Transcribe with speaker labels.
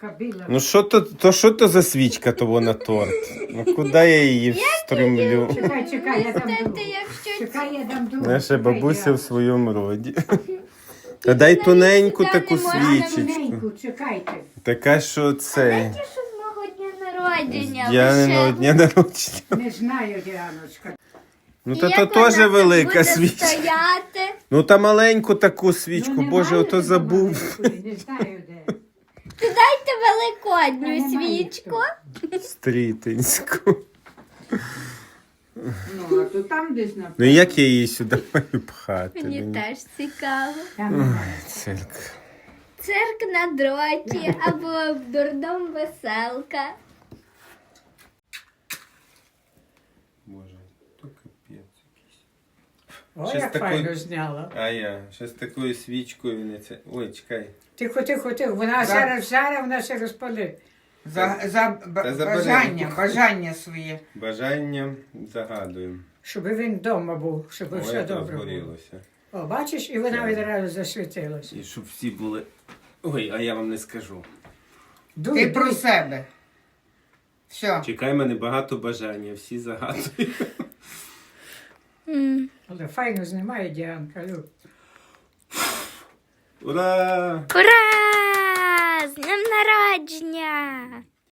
Speaker 1: кабіла.
Speaker 2: Ну що то за свічка того на торт? Ну куди я її встромлю?
Speaker 1: Чекай, я дам
Speaker 3: Знаєте,
Speaker 1: другу.
Speaker 3: якщо
Speaker 1: Чекай, я дам другу.
Speaker 2: Наша
Speaker 1: Чекай,
Speaker 2: бабуся
Speaker 1: я-
Speaker 2: в своєму роді. Та дай тоненьку
Speaker 3: сюди
Speaker 2: таку
Speaker 3: не можна
Speaker 2: свічечку.
Speaker 1: Тоненьку, чекайте.
Speaker 2: Така, що це.
Speaker 3: Ті, що з мого дня народження.
Speaker 2: Діаниного
Speaker 3: лише.
Speaker 2: дня народження.
Speaker 1: Не знаю, Діаночка.
Speaker 2: Ну
Speaker 3: І
Speaker 2: та
Speaker 3: як
Speaker 2: то теж
Speaker 3: вона
Speaker 2: велика
Speaker 3: буде
Speaker 2: свічка.
Speaker 3: стояти?
Speaker 2: Ну та маленьку таку свічку,
Speaker 1: Ну,
Speaker 2: боже,
Speaker 1: немає
Speaker 2: ото
Speaker 1: тут
Speaker 2: забув.
Speaker 1: маленької, Не знаю, де.
Speaker 3: То дайте великодню
Speaker 1: Та немає
Speaker 3: свічку.
Speaker 2: Стрітинську.
Speaker 1: Ну, а то там десь на...
Speaker 2: Ну як я її сюди маю пхати?
Speaker 3: Мені теж цікаво.
Speaker 1: Там немає.
Speaker 2: Цирк.
Speaker 3: Цирк на дроті або дурдом веселка.
Speaker 2: Боже, то капець якийсь.
Speaker 1: О,
Speaker 2: Щось
Speaker 1: як
Speaker 2: такої-
Speaker 1: файно зняла.
Speaker 2: А я ще з такою свічкою не це. Ой, чекай.
Speaker 1: Тихо. Вона зараз, вона ще розпалить.
Speaker 2: забери.
Speaker 4: Бажання своє.
Speaker 2: Бажання загадуємо.
Speaker 1: Щоб він вдома був, щоб
Speaker 2: Ой,
Speaker 1: все
Speaker 2: як
Speaker 1: добре було.
Speaker 2: розгорілося.
Speaker 1: О, бачиш, і вона відразу засвітилася.
Speaker 2: І щоб всі були. Ой, а я вам не скажу.
Speaker 4: Ти про себе. Все.
Speaker 2: Чекай, мене багато бажання, всі загадують.
Speaker 1: Але файно знімає Діанка, Люб.
Speaker 2: Ура!
Speaker 3: Ура! З днем народження!